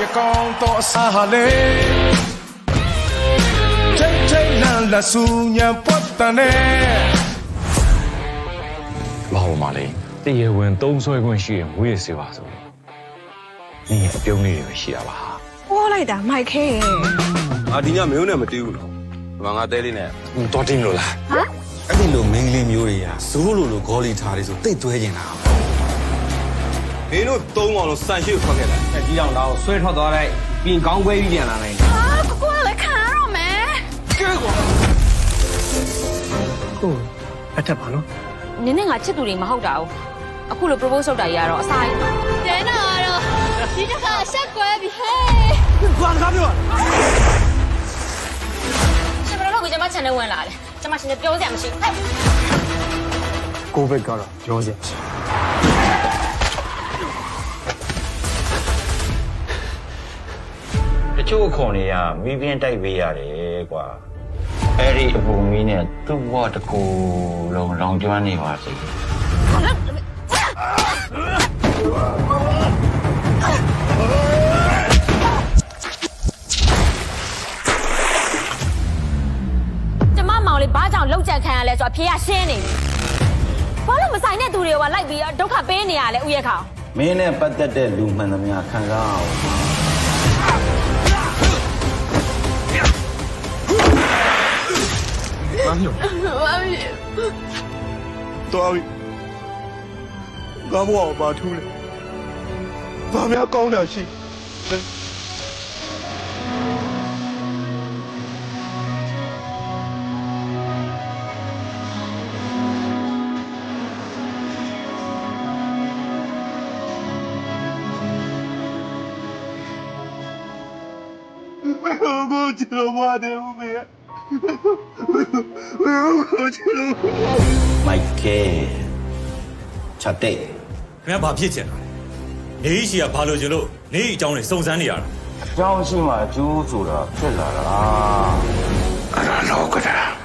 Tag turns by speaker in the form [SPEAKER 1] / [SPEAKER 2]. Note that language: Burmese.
[SPEAKER 1] ရကောင်းတော့အစားဟာလေချိန်လန်လာဆူညံပွတ်တန်နဲ့
[SPEAKER 2] ဘာလို့မလဲတရားဝင်သုံးဆွဲခွင့်ရှိရင်မွေးရစေပါဆိုရင်ဒီအပြုံးလေးတွေပဲရှိတာပါ
[SPEAKER 3] ဟောလိုက်တာမိုက်ခဲရဲ့
[SPEAKER 4] ငါဒီညမင်းနဲ့မတီးဘူးနော်ဒီမှာငါတဲလေးနဲ့
[SPEAKER 2] တော်တင်လို့လား
[SPEAKER 3] ဟမ်
[SPEAKER 5] အဲ့ဒီလိုမင်းကလေးမျိုးတွေကဇိုးလိုဂေါ်လီထားတွေဆိုတိတ်သွဲနေတာ
[SPEAKER 4] မင်းတို့သုံးအောင်လို့စံရှိထွက်ခဲ့တာ
[SPEAKER 6] အကြီးအောင်တော့ဆွဲထွက်သွားလိုက်ပြင်ကောင်းခွဲပြီးပြန်လာနိုင်
[SPEAKER 3] ဟာကိုကလည်းခံရတော့မယ်
[SPEAKER 6] ကဲကွာ
[SPEAKER 1] ဟုတ်အထက်ပါနော်
[SPEAKER 7] နင်းနဲ့ငါချစ်သူတွေမဟုတ်တာ哦အခုလို propose လုပ်တာကြီးကတော့အဆိုင်
[SPEAKER 3] ကျန်တော့ဒီတစ်ခါဆက်ကွဲပြီဟဲ့
[SPEAKER 1] ဘာကားပြော
[SPEAKER 7] ရှင်ဘယ်လိုလုပ်ကိုကျမ channel ဝင်လာလဲကျမရှင်လည်းပြောစရာမရှိဘူး
[SPEAKER 1] ကိုဗစ်ကတော့ပြောစရာမရှိ
[SPEAKER 8] တချို့ခွန်တွေကမီးပြင်းတိုက်ပေးရတယ်ကွာအဲ့ဒီအပူမီးနဲ့သူ့ဘဝတစ်ခုလုံးလောင်ကျွမ်းနေပါစေ
[SPEAKER 7] ကျမမောင်လေးဘာကြောင့်လောက်ကြံခံရလဲဆိုတော့အဖေကရှင်းနေပြီဘာလို့မဆိုင်တဲ့သူတွေကလိုက်ပြီးဒုက္ခပေးနေရလဲဦးရဲ့ခေါင်
[SPEAKER 8] မင်းနဲ့ပတ်သက်တဲ့လူမှန်သမျှခံစားအောင်
[SPEAKER 1] ဘာလို့တော်ပြီငါဘဝကိုဘာထူးလဲဘာများကောင်းတာရှိကိုချစ်လို့မတယ်ဦးမေကိုချစ်လို့
[SPEAKER 8] မိုက်ကဲချက်တဲ့
[SPEAKER 5] ခင်ဗျာဘာဖြစ်ချင်တာလဲနေရှိကဘာလို့ချင်လို့နေအကြောင်းတွေစုံစမ်းနေရတာ
[SPEAKER 8] အကြောင်းရှိမှအကျိုးဆိုတာဖြစ်လာတာ
[SPEAKER 2] အဲ့ဒါလောကတာ